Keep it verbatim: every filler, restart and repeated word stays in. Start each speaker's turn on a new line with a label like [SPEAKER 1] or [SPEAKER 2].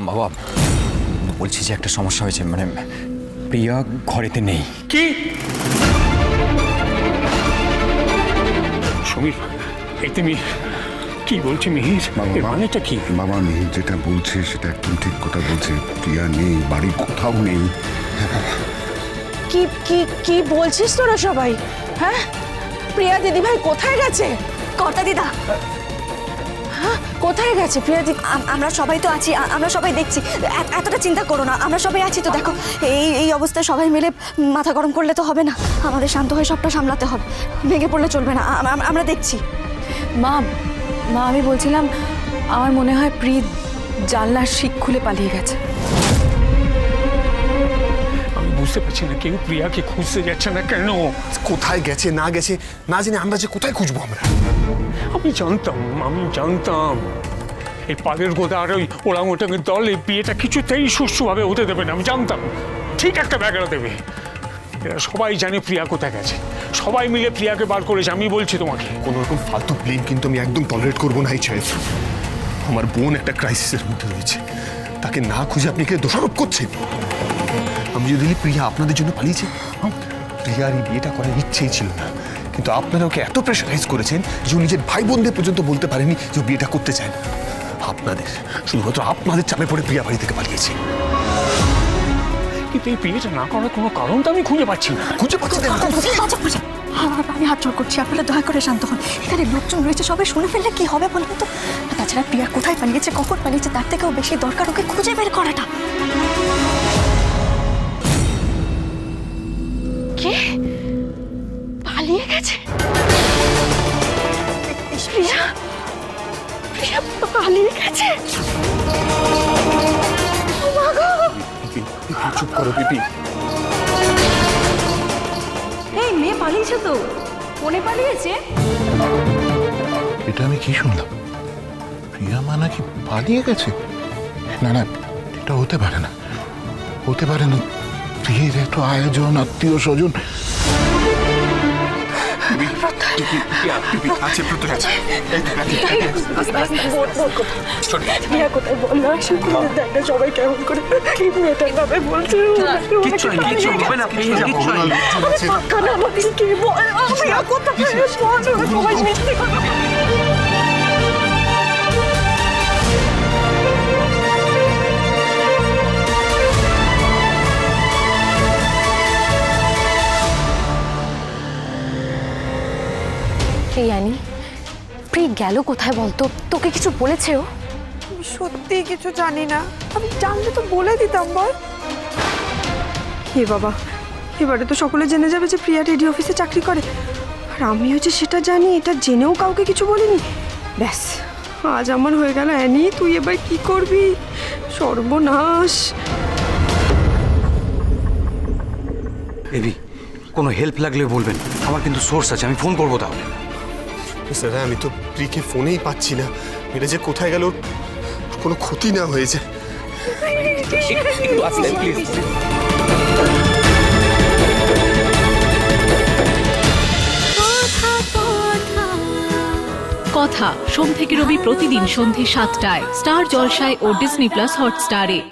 [SPEAKER 1] বাবা বলছি যে একটা সমস্যা হয়েছে, মানে প্রিয়া ঘরেতে নেই।
[SPEAKER 2] কি সমীর, এই তুমি কি বলছি মিহির? মানেটা কি?
[SPEAKER 3] বাবা মিহির যেটা বলছে সেটা একদম ঠিক কথা বলছে। প্রিয়া নেই, বাড়ি কোথাও নেই।
[SPEAKER 4] কি কি কি বলছিস তোরা সবাই? হ্যাঁ, প্রিয়া দিদি ভাই কোথায় গেছে?
[SPEAKER 5] কর্তা দিদা,
[SPEAKER 4] হ্যাঁ, কোথায় গেছে প্রিয়া দিদি?
[SPEAKER 5] আম- আমরা সবাই তো আছি, আ- আমরা সবাই দেখছি। এ- এতটা চিন্তা করো না, আমরা সবাই আছি তো। দেখো এই এই অবস্থায় সবাই মিলে মাথা গরম করলে তো হবে না, আমাদের শান্ত হয়ে সবটা সামলাতে হবে। ভেঙে পড়লে চলবে না, আম- আম- আমরা দেখছি।
[SPEAKER 6] মা মা আমি বলছিলাম, আমার মনে হয় প্রি জানলার শিক খুলে পালিয়ে গেছে।
[SPEAKER 2] আমি বুঝতে পারছি না, কেউ প্রিয়াকে খুঁজতে যাচ্ছে না কেন?
[SPEAKER 7] কোথায় গেছে না গেছে না জেনে আমরা যে কোথায় খুঁজবো আমরা?
[SPEAKER 2] আমি জানতাম, আমি জানতাম এই পালের গোদা আর ওই ওরাংওটাংয়ের দল এই বিয়েটা কিছুতেই সুষ্ঠুভাবে হতে দেবে না। আমি জানতাম ঠিক একটা ব্যাগড়া দেবে। এরা সবাই জানে প্রিয়া কোথায় গেছে, সবাই মিলে প্রিয়াকে বার করেছে। আমি বলছি তোমাকে,
[SPEAKER 7] কোনো রকম ফালতু ব্লেম কিন্তু আমি একদম টলারেট করবো না। এই সাহেব, আমার বোন একটা ক্রাইসিসের মধ্যে রয়েছে, তাকে না খুঁজে আপনি কে দোষারোপ করছেন? আমি যদি বলি প্রিয়া আপনাদের জন্য পালিয়েছে, প্রিয়ার এই বিয়েটা করার ইচ্ছেই ছিল না, কিন্তু আপনারা ওকে এত প্রেশারাইজ করেছেন যে ও নিজের ভাই বোনদের পর্যন্ত বলতে পারেনি যে ও বিয়েটা করতে চায় না। আপনাদের, শুধুমাত্র আপনাদের চাপে পড়ে প্রিয়া বাড়ি থেকে পালিয়েছে।
[SPEAKER 2] কিন্তু এই বিয়েটা না করার কোনো কারণ তো আমি খুঁজে পাচ্ছি না।
[SPEAKER 7] খুঁজে পাচ্ছেন না?
[SPEAKER 5] আচ্ছা, আচ্ছা, আমি হাত জোর করছি, আপনারা দয়া করে শান্ত হন। এখানে লোকজন রয়েছে, সবাই শুনে ফেললে কি হবে বলুন তো? তাছাড়া প্রিয়া কোথায় পালিয়েছে, কখন পালিয়েছে, তার থেকেও বেশি দরকার ওকে খুঁজে বের করাটা।
[SPEAKER 4] কে পালিয়ে গেছে? প্রিয়া প্রিয়া পালিয়ে গেছে? ও মা গো!
[SPEAKER 7] চুপ করো পিপি।
[SPEAKER 6] এই মেয়ে পালিয়েছে তো, কোনে পালিয়েছে?
[SPEAKER 3] এটা আমি কি শুনলাম? প্রিয়া মা নাকি পালিয়ে গেছে? না না, এটা হতে পারে না, হতে পারে না। প্রিয়ের এত আয়োজন, আত্মীয় স্বজন।
[SPEAKER 4] প্রিয়া কোথায় বল না? শুকুরের দেখা সবাই কেমন করে কি মেয়েটার নামে বলছে?
[SPEAKER 8] কিচ্ছু হয়নি, কিচ্ছু হবে না, পেয়ে যাবো।
[SPEAKER 4] কানা আমাদের কি বল? প্রিয়া কোথায়? বল, সবাই মিথ্যে কথা
[SPEAKER 6] প্রিয়ানি, প্রি গেল কোথায় বলতো? তোকে কিছু বলেছে ও?
[SPEAKER 4] আমি সত্যি কিছু জানি না। আমি জানলে তো বলে দিতাম। বল। হে বাবা, এবারে তো সকলে জেনে যাবে যে প্রিয়া রেডি অফিসে চাকরি করে, আর আমি হচ্ছে সেটা জানি, এটা জেনেও কাউকে কিছু বলিনি। ব্যাস, আজ আমার হয়ে গেল। অ্যানি, তুই এবার কি করবি? সর্বনাশ।
[SPEAKER 8] এবি, কোনো হেল্প লাগলে বলবেন, আমার কিন্তু সোর্স আছে, আমি ফোন করবো তাহলে।
[SPEAKER 7] স্যার, আমি তো প্রিকে ফোনেই পাচ্ছি না। এটা যে কোথায় গেল, কোনো ক্ষতি না হয়েছে।
[SPEAKER 9] কথা সোম থেকে রবি প্রতিদিন সন্ধে সাতটায় স্টার জলসায় ও ডিজনি প্লাস হটস্টারে।